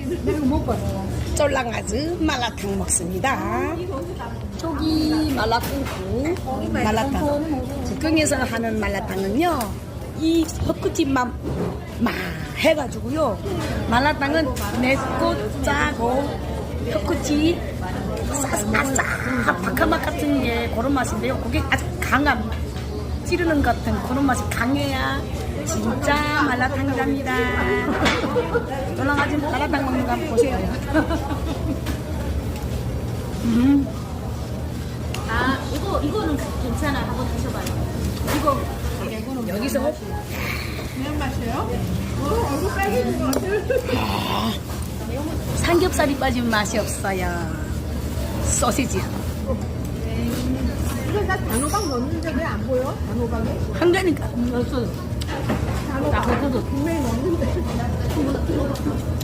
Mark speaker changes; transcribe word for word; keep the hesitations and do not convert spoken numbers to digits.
Speaker 1: 쫄랑아즈 말라탕 먹습니다. 저기 말라탕국, 말라탕. 북경에서 하는 말라탕은요, 이 헛구찜만 막 해가지고요. 말라탕은 맵고 짜고 헛구찜 싸싸 바카맛 같은 게 그런 맛인데요. 그게 아주 강한 찌르는 것 같은 그런 맛이 강해야 진짜 말라탕이랍니다. 쫄랑아즈 말라탕 먹는 거 한번 보세요. 음.
Speaker 2: 아, 이거, 이거는 괜찮아. 한번 드셔봐요. 이거,
Speaker 1: 여기서
Speaker 3: 그냥 맛이에요? 어, 얼굴 빨개진 것 같아.
Speaker 1: 삼겹살이 빠진 맛이 없어요. 소시지
Speaker 3: 이거 나 단호박 넣는데 왜 안 보여? 단호박이?
Speaker 1: 한가니까
Speaker 3: 단호박. 분명히 넣는데.